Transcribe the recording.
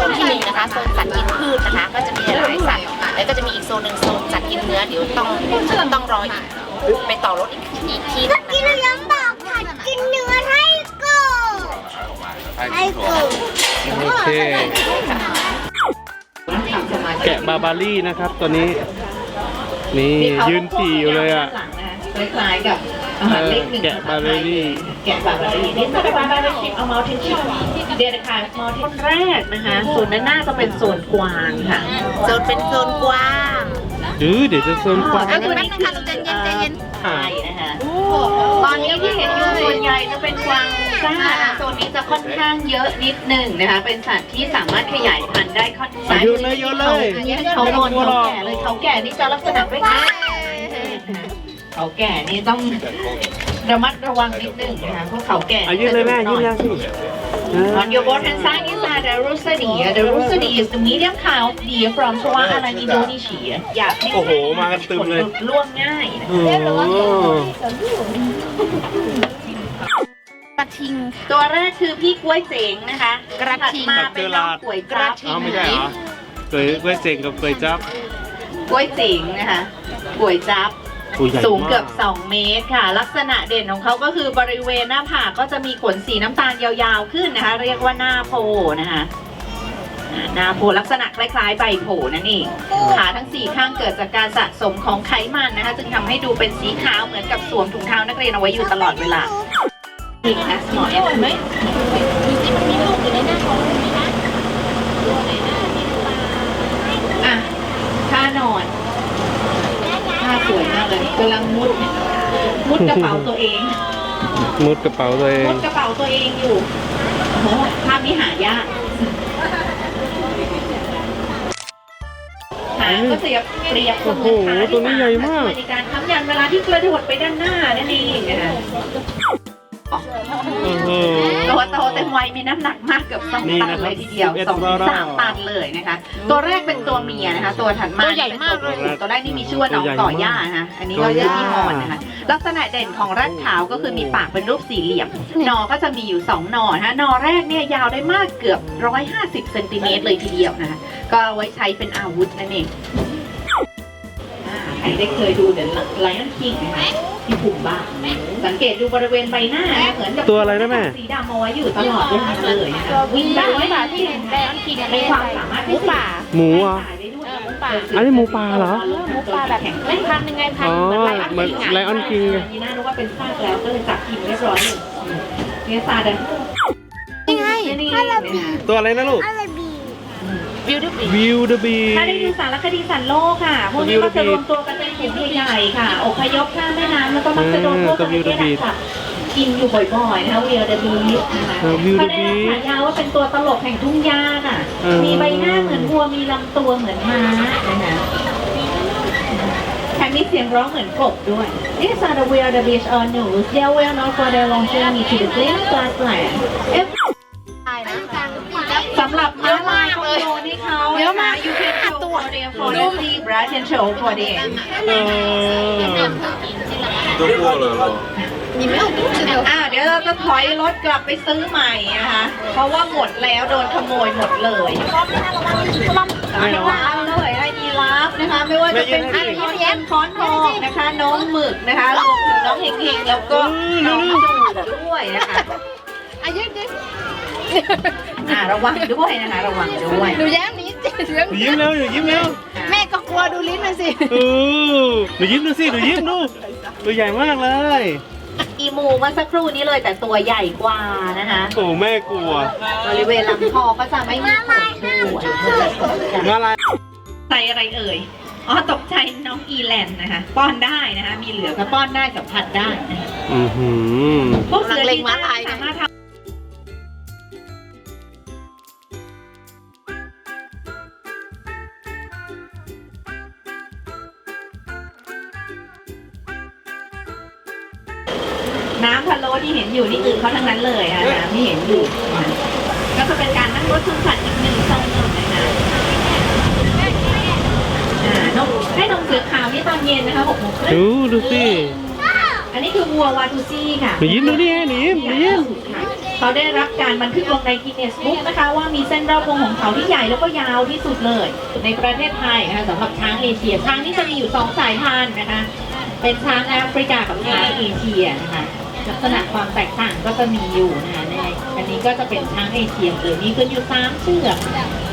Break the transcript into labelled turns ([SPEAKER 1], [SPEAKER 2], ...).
[SPEAKER 1] นที่1นะคะโซนสัตว์กินพืชนะคะก็จะมีหลายสัตว์แล้วก็จะมีอีกโซนหนึ่งโซนสัตว์กินเนื้อเดี๋ยวต้องรออีกไปต่อรถอีกที่นึง
[SPEAKER 2] กินน้ำบอกผัดกินเนื้อให้กูให้กู
[SPEAKER 3] โอเคแกะบาบารี่นะครับตัวนี้นี่ยืนจี่อยู่เลยอ่ะ
[SPEAKER 4] คล้ายๆกับอาหารเล็กหนึ่ง
[SPEAKER 3] แกะบาบารี่
[SPEAKER 4] แกะบาบารี่นี่ถ้าเป็นบาบารี่ชิปเอามาทิ้งชิปเดียร์ค่ะมอทิ้งแรกนะคะส่วนด้านหน้าจะเป็นโซนกวางค่ะ
[SPEAKER 1] โซนเป็นโซนกว้าง
[SPEAKER 3] เดี๋ยวจะโซนกว้าง
[SPEAKER 1] แป๊บนึงค่ะใจเย็นใจเย็น
[SPEAKER 4] ใช่นะคะตอนนี้ที่เห็นอยู่ส่วนใหญ่จะเป็นกวางซ่าโซนนี้จะค่อนข้างเยอะนิดหนึ่งนะคะเป็นสัตว์ที่สามารถขยายพันธุ์ได้ค่อนข้าง
[SPEAKER 3] โยนเลยโยนเลย
[SPEAKER 4] เขานอนเขาแก่เลยเขาแก่นี่จะลักษณะคล้ายๆเขาแก่นี่ต้องระมัดระวังนิดนึงนะคะเพราะเขาแก่
[SPEAKER 3] ยืนเลยแม่ยืนยังสิ
[SPEAKER 4] On your board hand side is the Rusa deer. The Rusa deer is the medium cow deer from Sarawak Island, Indonesia. อยากให้
[SPEAKER 3] โอ้โหมากันตึมเลย
[SPEAKER 4] ล่วงง่ายนะ
[SPEAKER 1] กระทิง
[SPEAKER 4] ตัวแรกคือพี่กล้วยเจ๋งนะคะ
[SPEAKER 1] กระทิง
[SPEAKER 4] ถัดมาเป็นน้องกล้วยจับ
[SPEAKER 3] อ้าวไม่ใช่เหรอเคยเจ๋งกับเคยจับ
[SPEAKER 4] กล้วยเจ๋งนะคะกล้วยจับ
[SPEAKER 3] ตัวใหญ่มาก
[SPEAKER 4] สูงเกือบ2 เมตรค่ะ ลักษณะเด่นของเขาก็คือบริเวณหน้าผากก็จะมีขนสีน้ำตาลยาวๆขึ้นนะคะ เรียกว่าหน้าโพนะคะหน้าโพลักษณะคล้ายๆใบโพนั่นเองขาทั้ง4ข้างเกิดจากการสะสมของไขมันนะคะจึงทำให้ดูเป็นสีขาวเหมือนกับสวมถุงเท้านักเรียนเอาไว้อยู่ตลอดเวลาอีกนะหมอแอปไหม
[SPEAKER 1] ดูสิมันมีลูกอยู่ในหน้าท้องไหมนะ
[SPEAKER 4] อ่ะท่านอนท่าสวยมากเลยกำลังมุดกระเป๋าตัวเอง
[SPEAKER 3] มุดกระเป๋าตัวเอง
[SPEAKER 4] มุดกระเป๋าตัวเองอยู่โอ้โหภาพนี้หายากหางก็เสียเปรียบเสมือนขาที่
[SPEAKER 3] ตัวนี้ใหญ่มาก
[SPEAKER 4] ในการค้ำยันเวลาที่กระโดดไปด้านหน้านั่นเองนะคะ ตัวโตเต็มวัยมีน้ำหนักมากเกือบ2 ตันเลยทีเดียว2-3 ตันเลยนะคะ ตัวแรกเป็นตัวเมียนะคะ ตัวถัดมาตัวใหญ่มากเลยตัวแรกนี่มีชื่อว่าน้องก่อย่านะคะอันนี้ก็ชื่อพี่มอนนะคะลักษณะเด่นของรัดขาวก็คือมีปากเป็นรูปสี่เหลี่ยมหนอก็จะมีอยู่2 หนอนะคะหนอแรกเนี่ยยาวได้มากเกือบ150 เซนติเมตรเลยทีเดียวนะคะก็ไว้ใช้เป็นอาวุธนั่นเองใครได้เคยดูเดี๋ยวไลออนคิงนะคะที่ปุ่มบ้าสังเกตดูบริเวณใบหน้าเหมือนกับ
[SPEAKER 3] ตัวอะไรนะแม่
[SPEAKER 4] สีดำเอาไว้อยู่ตลอดเวลาเลยนะคะวิ่งได้ไว้แบบที่แบนคีมีความสามารถที่ป่า
[SPEAKER 3] หมูอ่ะ
[SPEAKER 1] หมูป่า
[SPEAKER 3] อันนี้หมูป่าเหรอ
[SPEAKER 1] หมูป่าแบบไม่พันยังไงพัน
[SPEAKER 3] อ๋อ
[SPEAKER 1] เหมือนไลออนคิง
[SPEAKER 3] เหมือนไลออนคิงไง
[SPEAKER 4] นี่น่ารู้ว่าเป็นซากแล้วก็เลยจับกินเรียบร้อยเลยเนี่ยซาดัน
[SPEAKER 1] นี่ไง
[SPEAKER 4] นี่
[SPEAKER 3] ตัวอะไรนะลูก
[SPEAKER 2] อะไรบี
[SPEAKER 1] บิวตี้บี
[SPEAKER 3] วิวเดอะบี
[SPEAKER 4] ถ้าได้ดูสารคดีสัตว์โลกค่ะ พวกนี้ก็จะรวมตัวกันเป็นกลุ่มใหญ่ๆค่ะอพยพข้ามแม่น้ำแล้วก็มักจะโดนพวกนี้ค่ะกินอยู่บ่อยๆนะคะวิลเดอร์บีนะคะเขาได้รับฉายาว่าเป็นตัวตลกแห่งทุ่งหญ้าค่ะมีใบหน้าเหมือนวัวมีลำตัวเหมือนม้านะคะแถมมีเสียงร้องเหมือนกบด้วย These are the wildebeest or gnus. They are well known for their long journey to the green grassland. สำหรับม้าลายก็โยนให้เขาเยอะมาก You can show for them for the zebra can show for them
[SPEAKER 3] ตัวพวกเลยเหรอ
[SPEAKER 4] เดี๋ยวเราจะถอยรถกลับไปซื้อใหม่นะคะ เพราะว่าหมดแล้วโดนขโมยหมดเลยระวังเลยไอ้ยีราฟนะคะ ไม่ว่าจะเป็นพี่น้องแย้มค้อนทองนะคะ น้องหมึกนะคะรวมถึงน้องเฮงๆแล้วก็น้องจูด้วยนะคะระวังด้วยนะคะระวังด้วย
[SPEAKER 1] หนูแย้มนี้เสียง
[SPEAKER 3] ยิ้มเร็วยิ้มเร็ว
[SPEAKER 1] แม่ก็กลัวดูลิ้นมันสิ
[SPEAKER 3] หนูยิ้มดูสิหนูยิ้มดูตัวใหญ่มากเลย
[SPEAKER 4] อีมูเมื่อสักครู่นี้เลยแต่ตัวใหญ่กว่านะคะ
[SPEAKER 3] โอ้แม่กลัว
[SPEAKER 4] บริเวณลำคอก็จะไม่มีขนด้วย
[SPEAKER 3] มาลาย
[SPEAKER 4] ใส่อะไรเอ่ยอ๋อตกใจน้องอีแลนด์นะคะป้อนได้นะคะมีเหลือก็ป้อนได้สัมผัสได้นะคะ พวกเสือที่สามารถทำน้ำพะโล้ที่เห็นอยู่นี่คือเขาทั้งนั้นเลยค่ะน้ำที่เห็นอยู่ก็จะเป็นการนั่งรถชมสัตว์อีก1 โซนนะคะนมให้นมเสือขาวนี่ตอนเย็นนะคะ6 โมงครึ่ง
[SPEAKER 3] ดูสิ
[SPEAKER 4] อันนี้คือวัววาทูซี่ค่ะ
[SPEAKER 3] หนูยิ้มดูนี่หนูยิ้ม
[SPEAKER 4] ค่ะเขาได้รับการบันทึกลงในกินเนสบุ๊กนะคะว่ามีเส้นรอบวงของเขาที่ใหญ่แล้วก็ยาวที่สุดเลยในประเทศไทยนะคะสำหรับช้างเอเชียช้างนี่จะมีอยู่2 สายพันธุ์นะคะเป็นช้างแอฟริกากับช้างเอเชียนะคะลักษณะความแตกต่างก็จะมีอยู่นะคะในอันนี้ก็จะเป็นช้างเอเชียเลยมีกันอยู่3 เชือก